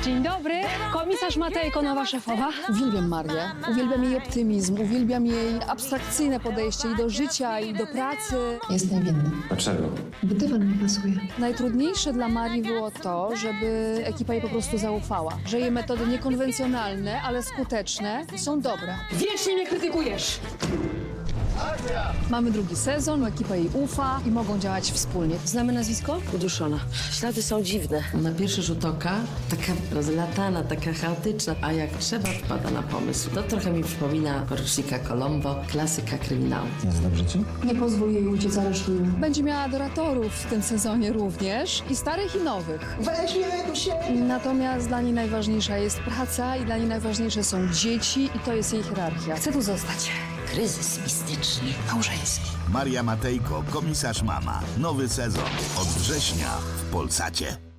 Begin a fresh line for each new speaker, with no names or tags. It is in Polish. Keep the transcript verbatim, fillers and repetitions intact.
Dzień dobry, komisarz Matejko, nowa szefowa.
Uwielbiam Marię, uwielbiam jej optymizm, uwielbiam jej abstrakcyjne podejście i do życia, i do pracy.
Jest niewinny.
Dlaczego?
Bo dywan mi pasuje.
Najtrudniejsze dla Marii było to, żeby ekipa jej po prostu zaufała, że jej metody niekonwencjonalne, ale skuteczne są dobre.
Wiecznie mnie krytykujesz.
Mamy drugi sezon, ekipa jej ufa i mogą działać wspólnie.
Znamy nazwisko? Uduszona. Ślady są dziwne. Na pierwszy rzut oka taka rozlatana, taka chaotyczna, a jak trzeba wpada na pomysł. To trochę mi przypomina porucznika Colombo, klasyka kryminału.
Jest dobrze ci?
Nie pozwól jej uciec, aresztuję.
Będzie miała adoratorów w tym sezonie również, i starych, i nowych.
Weź mnie tu się!
Natomiast dla niej najważniejsza jest praca i dla niej najważniejsze są dzieci i to jest jej hierarchia. Chcę tu zostać.
Kryzys mistyczny.
Małżeński.
Maria Matejko, komisarz mama. Nowy sezon od września w Polsacie.